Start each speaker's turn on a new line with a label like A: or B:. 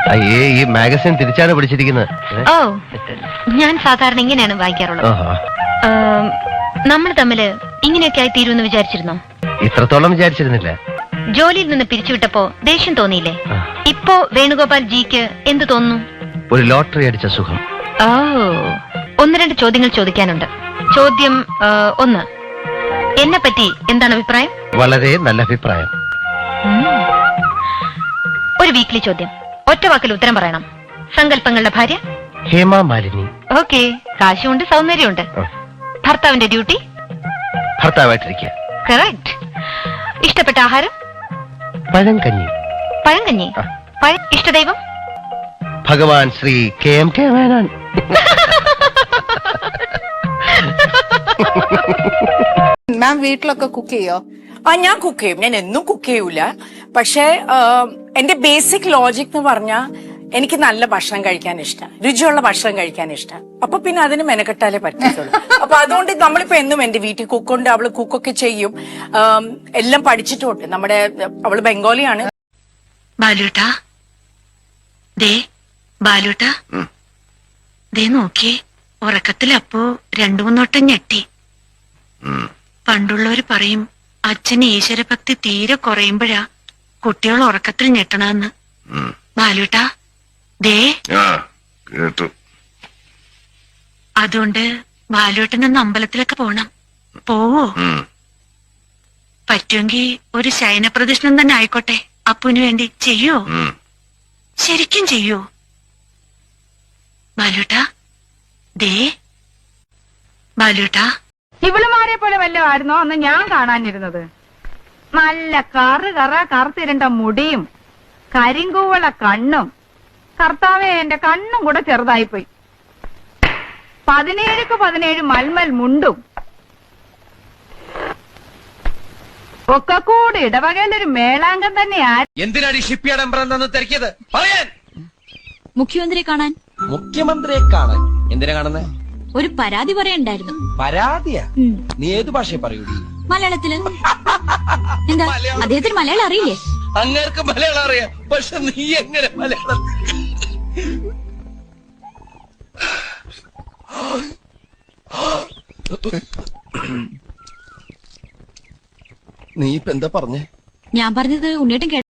A: അയ്യേ, ഈ മാഗസിൻ തിരിച്ചാണ് പിടിച്ചിരിക്കുന്നത്.
B: ഓ, ഞാൻ സാധാരണ ഇങ്ങനെയാണ് വായിക്കാറുള്ളത്. നമ്മൾ തമ്മില് ഇങ്ങനെയൊക്കെ ആയി തീരുമെന്ന് വിചാരിച്ചിരുന്നോ?
A: ഇത്രത്തോളം വിചാരിച്ചിരുന്നില്ല.
B: ജോലിയിൽ നിന്ന് പിരിച്ചുവിട്ടപ്പോ ദേഷ്യം തോന്നിയില്ലേ? ഇപ്പോ വേണുഗോപാൽ ജിക്ക് എന്ത് തോന്നുന്നു?
A: ഒരു ലോട്ടറി അടിച്ച സുഖം.
B: ഓ, 1-2 ചോദ്യങ്ങൾ ചോദിക്കാനുണ്ട്. ചോദ്യം 1, എന്നെ പറ്റി എന്താണ് അഭിപ്രായം?
A: വളരെ നല്ല അഭിപ്രായം.
B: ഒരു വീക്ക്ലി ചോദ്യം, ഒറ്റ വാക്കിൽ ഉത്തരം പറയണം. സങ്കല്പങ്ങളുടെ ഭാര്യ?
A: ഹേമ മാലിനി.
B: ഓക്കെ, കാശുണ്ട്, സൗന്ദര്യമുണ്ട്. ഭർത്താവിന്റെ ഡ്യൂട്ടി?
A: ഭർത്താവായിട്ടിരിക്കുക.
B: കറക്റ്റ്. ഇഷ്ടപ്പെട്ട ആഹാരം?
A: പഴങ്കഞ്ഞി.
B: പഴങ്കഞ്ഞി. ഇഷ്ടദൈവം?
A: ഭഗവാൻ ശ്രീ KMK മേനോൻ.
C: മാം വീട്ടിലൊക്കെ കുക്ക് ചെയ്യോ?
D: ഞാൻ കുക്ക് ചെയ്യും. ഞാൻ എന്നും കുക്ക് ചെയ്യൂല. പക്ഷെ എന്റെ ബേസിക് ലോജിക് എന്ന് പറഞ്ഞാൽ എനിക്ക് നല്ല ഭക്ഷണം കഴിക്കാൻ ഇഷ്ടം, രുചിയുള്ള ഭക്ഷണം കഴിക്കാൻ ഇഷ്ടം. അപ്പൊ പിന്നെ അതിന് മെനക്കെട്ടാലേ പറ്റത്തുള്ളൂ. അപ്പൊ അതുകൊണ്ട് നമ്മളിപ്പോ എന്നും എന്റെ വീട്ടിൽ കുക്കുണ്ട്, അവള് കുക്കൊക്കെ ചെയ്യും. എല്ലാം പഠിച്ചിട്ടുണ്ട്. അവള് ബംഗാളിയാണ്.
B: ബാലുട്ടാ, ദേ ബാലുട്ടാ, ദേ നോക്കിയേ, ഉറക്കത്തിൽ അപ്പോ 2-3 വട്ടം ഞെട്ടി. പണ്ടുള്ളവര് പറയും അച്ഛന് ഈശ്വരഭക്തി തീരെ കുറയുമ്പോഴാ കുട്ടികൾ ഉറക്കത്തിൽ ഞെട്ടണമെന്ന്. ബാലുട്ടാ, ദേ അതുകൊണ്ട് ബാലുട്ടനൊന്ന് അമ്പലത്തിലൊക്കെ പോണം. പോവോ? പറ്റുമെങ്കിൽ ഒരു ശയനപ്രദക്ഷിണം തന്നെ ആയിക്കോട്ടെ, അപ്പുവിന് വേണ്ടി. ചെയ്യോ? ശരിക്കും ചെയ്യോ ബാലുട്ടാ? ദേ ബാലുട്ടാ,
E: ഇവളുമാരെ പോലെ വല്ലതും ആയിരുന്നോ അന്ന് ഞാൻ കാണാനിരുന്നത്? നല്ല കറുത്തിരണ്ട മുടിയും കരിങ്കൂവള കണ്ണും. കർത്താവേ, എന്റെ കണ്ണും കൂടെ ചെറുതായിപ്പോയി. 17-17 മൽമൽ മുണ്ടും ഒക്കെ കൂടി ഇടവകയിലൊരു മേളാങ്കം തന്നെയാ.
F: എന്തിനാണ് ഈ ഷിപ്പ്യാർഡ് എംബ്രന്ന് തിരക്കിയത്? പറയാൻ.
G: മുഖ്യമന്ത്രിയെ കാണാൻ.
F: മുഖ്യമന്ത്രിയെ കാണാൻ? എന്തിനാ കാണുന്നേ?
G: ഒരു പരാതി പറയണ്ടായിരുന്നു.
F: പരാതിയാ? നീ ഏത് ഭാഷയെ പറയൂടി?
G: മലയാളത്തില്. എന്താ, അദ്ദേഹത്തിന് മലയാളം അറിയില്ലേ?
F: അങ്ങേർക്ക് മലയാളം അറിയാം, പക്ഷെ നീ എങ്ങനെ മലയാളം? നീ ഇപ്പൊ എന്താ പറഞ്ഞേ?
G: ഞാൻ പറഞ്ഞത് ഉണ്ണിയേട്ടൻ